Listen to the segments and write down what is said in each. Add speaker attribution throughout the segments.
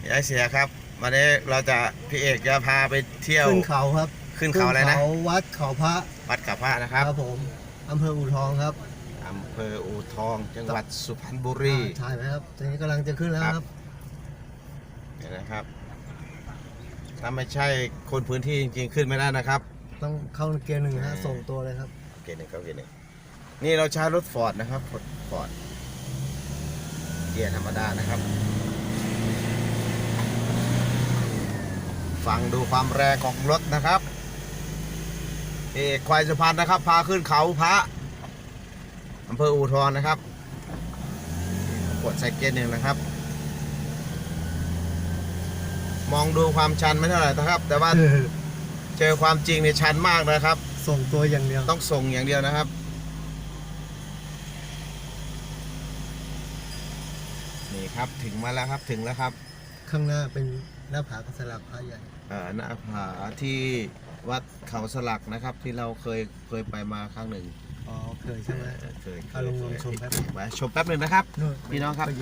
Speaker 1: ยายเสียครับวันนี้เราจะพี่เอกจะพาไปเที่ยว
Speaker 2: ขึ้นเขาครับ
Speaker 1: ขึ้นเขาอะไรนะ
Speaker 2: วัดเขาพระ
Speaker 1: วัดเขาพระนะครับ
Speaker 2: ครับผมอำเภออู่ทองครับ
Speaker 1: อำเภออู่ทองจังหวัดสุพรรณบุรี
Speaker 2: ใช่ไหมครับตอนนี้กำลังจะขึ้นแล้วครับ
Speaker 1: เห็นนะครับถ้าไม่ใช่คนพื้นที่จริงๆขึ้นไม่ได้นะครับ
Speaker 2: ต้องเข้าเกียร์หนึ่งนะส่งตัวเลยครับ
Speaker 1: เกียร์หนึ่งเข้าเกียร์หนึ่งนี่เราใช้รถฟอร์ดนะครับฟอร์ดเกียร์ธรรมดานะครับฟังดูความแรงของรถนะครับเอกควายสุพรรณนะครับพาขึ้นเขาพระอำเภออู่ทองนะครับกดใส่เกียร์หนึ่งนะครับมองดูความชันไม่เท่าไหร่นะครับแต่ว่าเจอความจริงเนี่ยชันมากนะครับ
Speaker 2: ส่งตัวอย่างเดียว
Speaker 1: ต้องส่งอย่างเดียวนะครับนี่ครับถึงมาแล้วครับถึงแล้วครับ
Speaker 2: ข้างหน้าเป็นหน้าผากระสลักพระใหญ่
Speaker 1: หน้าผาที่วัดเขาสลักนะครับที่เราเคยไปมาครั้งหนึ่ง
Speaker 2: อ๋อเคยใช่ไหม
Speaker 1: เคย
Speaker 2: ลงชมแป๊บ
Speaker 1: ชมแป๊บหนึ่งนะครับพี่น้องครับ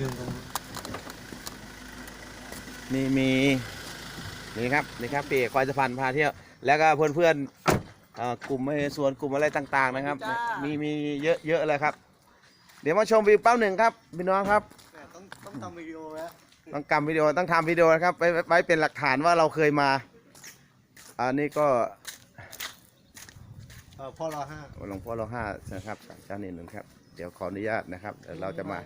Speaker 1: มีนี่ครับปีควายสะพานพาเที่ยวแล้วก็เพื่อนกลุ่มส่วนกลุ่มอะไรต่างๆนะครับมีเยอะเลยครับเดี๋ยวมาชมวิวแป๊บหนึ่งครับพี่น้องครับ
Speaker 2: ต้องทำวิดีโอแล้ว
Speaker 1: ต้องทำวิดีโอนะครับไว้เป็นหลักฐานว่าเราเคยมาอันนี้ก็
Speaker 2: พ่อรอห้า
Speaker 1: หลวงพ่อรอห้านะครับเจ้าหนึ่งครับเดี๋ยวขออนุญาตนะครับเดี๋ยวเราจะมา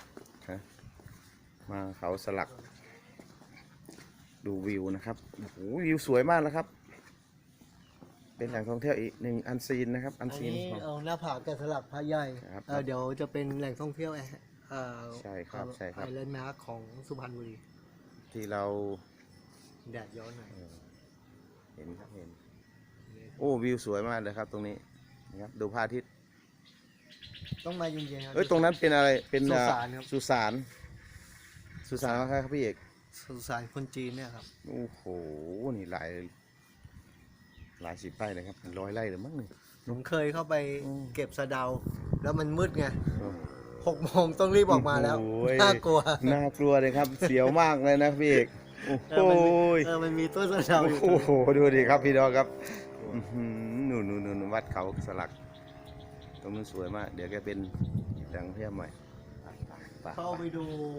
Speaker 1: เขาสลักดูวิวนะครับโอ้โหวิวสวยมากแล้วครับเป็นแหล่งท่องเที่ยวอีกหนึ่งอันซีนนะครับอันซีน
Speaker 2: เอาหน้าผาแกะสลักพระใหญ่เดี๋ยวจะเป็นแหล่งท่องเที่ยว
Speaker 1: ใช่ครับ
Speaker 2: ไอแลนด์มาร์คของสุพรรณบุรี
Speaker 1: ที่เรา
Speaker 2: แดดย้อนหน่อย
Speaker 1: เห็นครับเห็นโอ้วิวสวยมากเลยครับตรงนี้นะครับดูพระอาทิตย์
Speaker 2: ต้องมาเย็นๆครับ
Speaker 1: ตรงนั้นเป็นอะไรเป็น
Speaker 2: สุสานครับ
Speaker 1: สุสานครับพี่เอก
Speaker 2: สุสานคนจีนเนี่ยครับ
Speaker 1: โอ้โหนี่หลายสิบไร่เลยครับ100 ไร่หรือมั้งนี่
Speaker 2: ผมเคยเข้าไปเก็บสะเดาแล้วมันมืดไง6 โมงต้องรีบออกมาแล้วน่ากลั
Speaker 1: วเลยครับเสียวมากเลยนะพี่เอกโอ้โห
Speaker 2: มันมีต้นสะเดา
Speaker 1: โอ้โหดูดิครับพี่น้องครับนู่นวัดเขาสลักตรงนู้นสวยมากเดี๋ยวแกเป็นดังเที่ยวใหม่
Speaker 2: เข้าไปดู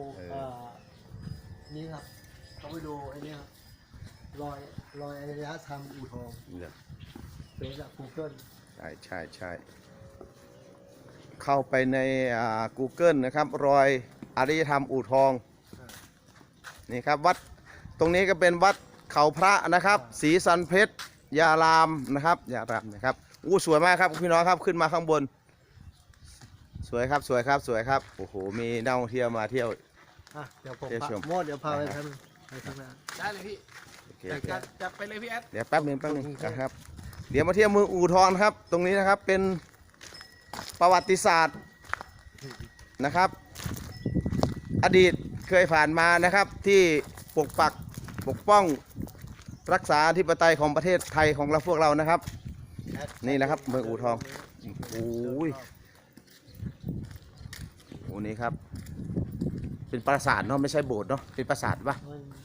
Speaker 2: นี่ครับเขาไปดูไอ้นี่ครับรอยอารยธรรมอู่ทองเป็นจาก Google
Speaker 1: ใช่เข้าไปในGoogle นะครับรอยอารยธรรมอู่ทองนี่ครับวัดตรงนี้ก็เป็นวัดเขาพระนะครับศรีสันเพชรยารามนะครับอู้สวยมากครับพี่น้องครับขึ้นมาข้างบนสวยครับโอ้โหมีนักท่องเที่ยวมาเที่ยว
Speaker 2: เดี๋ยวผมเดี๋ยวพาไปทำ
Speaker 3: ได้เลยพี่จัดไปเลยพี่แอด
Speaker 1: เดี๋ยวแป๊บนึงครับเดี๋ยวมาเที่ยวเมืองอู่ทองครับตรงนี้นะครับเป็นประวัติศาสตร์นะครับอดีตเคยผ่านมานะครับที่ปกป้องรักษาอธิปไตยของประเทศไทยของเราพวกเรานะครับนี่แหละครับเมืองอู่ทองโอ้นี่ครับเป็นปราสาทเนาะไม่ใช่โบสถ์เนาะเป็นปราสาทปะ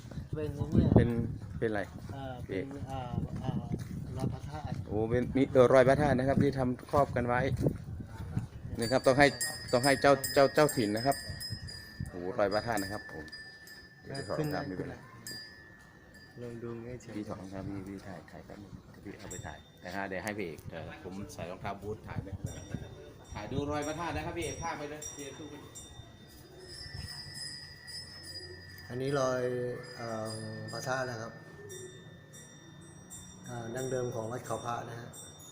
Speaker 1: เป็นอะไร
Speaker 2: เป็นรอยพระธาตุ
Speaker 1: โอ้เป็นมีรอยพระธาตุนะครับที่ทำครอบกันไว้นี่ครับต้องให้เจ้าถิ่นนะครับโอ้รอยพระธาตุนะครับผม
Speaker 2: ขึ้นได้ลองดูง่ายเฉย
Speaker 1: พี่ถอดรองเท้าพี่ถ่ายแป๊บนึงพี่เอาไปถ่ายนะฮะเดี๋ยวให้พี่เอกผมใส่รองเท้าบูทถ่ายไปถ่ายดูรอยพระธาตุนะครับพี่เอกภาพไปเลย
Speaker 2: อันนี้รอยพระธาตุนะครับดั้งเดิมของวัดเขาพระนะฮะ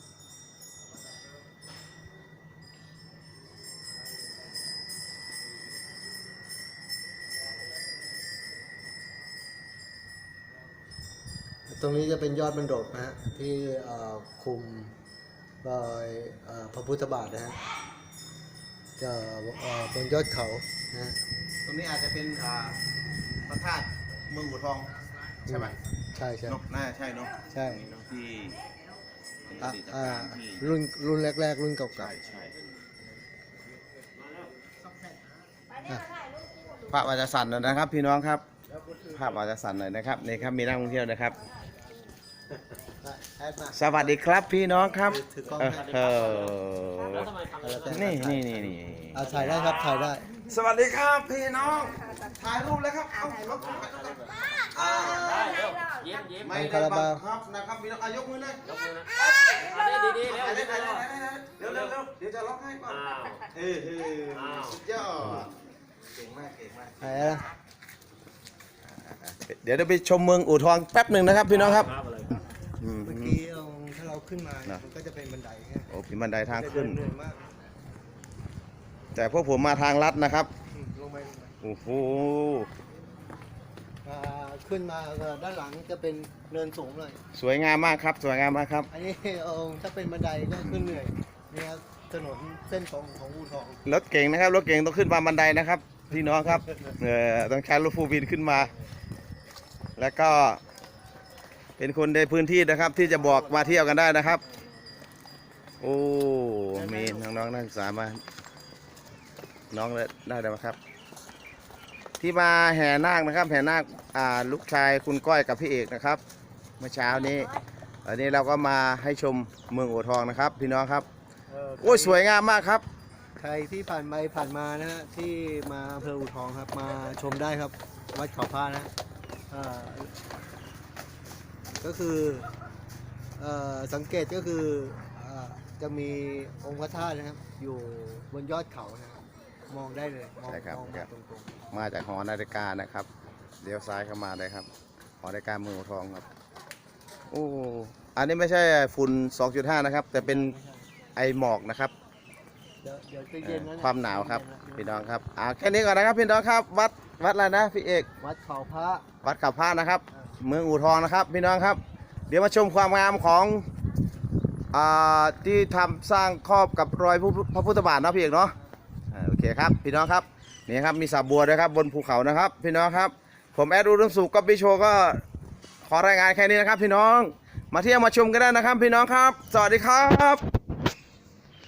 Speaker 2: ตรงนี้จะเป็นยอดบรรดกนะฮะที่คุมรอยพระพุทธบาทนะฮะจะบนยอดเขานะ
Speaker 1: ตรงนี้อาจจะเป็นพระธาตุเมืองอู่ทองใช่ไหม
Speaker 2: ใช่
Speaker 1: น่าใช่เนาะ
Speaker 2: ใช่
Speaker 1: ที่
Speaker 2: รุ่นแรกรุ่นเก่า
Speaker 1: ใช่พระวาจาสันนะครับพี่น้องครับภาพอาจจะสั่นหน่อยนะครับนี่ครับมีนักท่องเที่ยวนะครับ
Speaker 2: แอดมา
Speaker 1: สวัสดีครับพี่น้องครับ
Speaker 2: ถือกล้อง
Speaker 1: เออนี่
Speaker 2: เอาถ่ายได้ครับถ่ายได้
Speaker 1: สวัสดีครับพี่น้องถ่ายรูปเลยครับเอารถไม่ได้บังคับนะครับพี่น้องยกมือเลยเร็วเดี๋ยวจะล็อกให้ก่อนสุดยอดเก่งมาก
Speaker 2: ถ่ายแล้ว
Speaker 1: เดี๋ยวไปชมเมืองอู่ทองแป๊บหนึ่งนะครับพี่น้องครับ
Speaker 2: เมื่อกี้ถ้าเราขึ้นมามันก็จะเป็นบันไดใช่ไหม
Speaker 1: โอ้พิบันไดทางขึ้น
Speaker 2: เหนื่อยมาก
Speaker 1: แต่พวกผมมาทางลัดนะครับ
Speaker 2: ลงไป
Speaker 1: โอ้โห
Speaker 2: ขึ้นมาด้านหลังจะเป็นเนินสูงเลย
Speaker 1: สวยงามมากครับสวยงามมากครับ
Speaker 2: อันนี้ถ้าเป็นบันไดก็ขึ้นเหนื่อยนี่ครับถนนเส้นตรงของอู่ทอง
Speaker 1: รถเก่งนะครับรถเก่งต้องขึ้นมาบันไดนะครับพี่น้องครับต้องใช้รถฟูลวินขึ้นมา แล้วก็เป็นคนในพื้นที่นะครับที่จะบอกมาเที่ยวกันได้นะครับ โอ้มีน้องๆนักศึกษามาน้องเลยได้ไหมครับ ที่มาแห่นาคนะครับแห่นาคลูกชายคุณก้อยกับพี่เอกนะครับเมื่อเช้านี้อันนี้เราก็มาให้ชมเมืองอู่ทองนะครับ พี่น้องครับโอ้ยสวยงามมากครับ
Speaker 2: ใครที่ผ่านไปผ่านมานะฮะที่มาอำเภออู่ทองครับมาชมได้ครับวัดเขาพระนะก็คือสังเกตก็คือจะมีองค์พระธาตุนะครับอยู่บนยอดเขานะครับมองได้เลยมอง
Speaker 1: ใช่ครับ
Speaker 2: มองมาตรง
Speaker 1: มาจากหอนาฬิกานะครับเลี้ยวซ้ายเข้ามาเลยครับหอนาฬิกาเมืองอู่ทองครับโอ้อันนี้ไม่ใช่ฝุ่น 2.5 นะครับ แต่เป็นไอหมอกนะครับ
Speaker 2: ๆเดี๋ยวจะเย็นแล้วนะ
Speaker 1: ความหนาวครับพี่น้องครับแค่นี้ก่อนนะครับพี่น้องครับวัดอะไรนะพี่เอก
Speaker 2: วัดเขาพระ
Speaker 1: วัดขับพระนะครับ เมืองอู่ทองนะครับพี่น้องครับ เดี๋ยวมาชมความงามของที่ทำสร้างครอบกับรอยพระพุทธบาทเนาะพี่เอกเนาะโอเคครับพี่น้องครับนี่ครับมีสระบัวด้วยครับบนภูเขานะครับพี่น้องครับผมแอดอุดมสุขกับพี่โชก็ขอรายงานแค่นี้นะครับพี่น้องมาเที่ยวมาชมกันได้นะครับพี่น้องครับสวัสดีครับ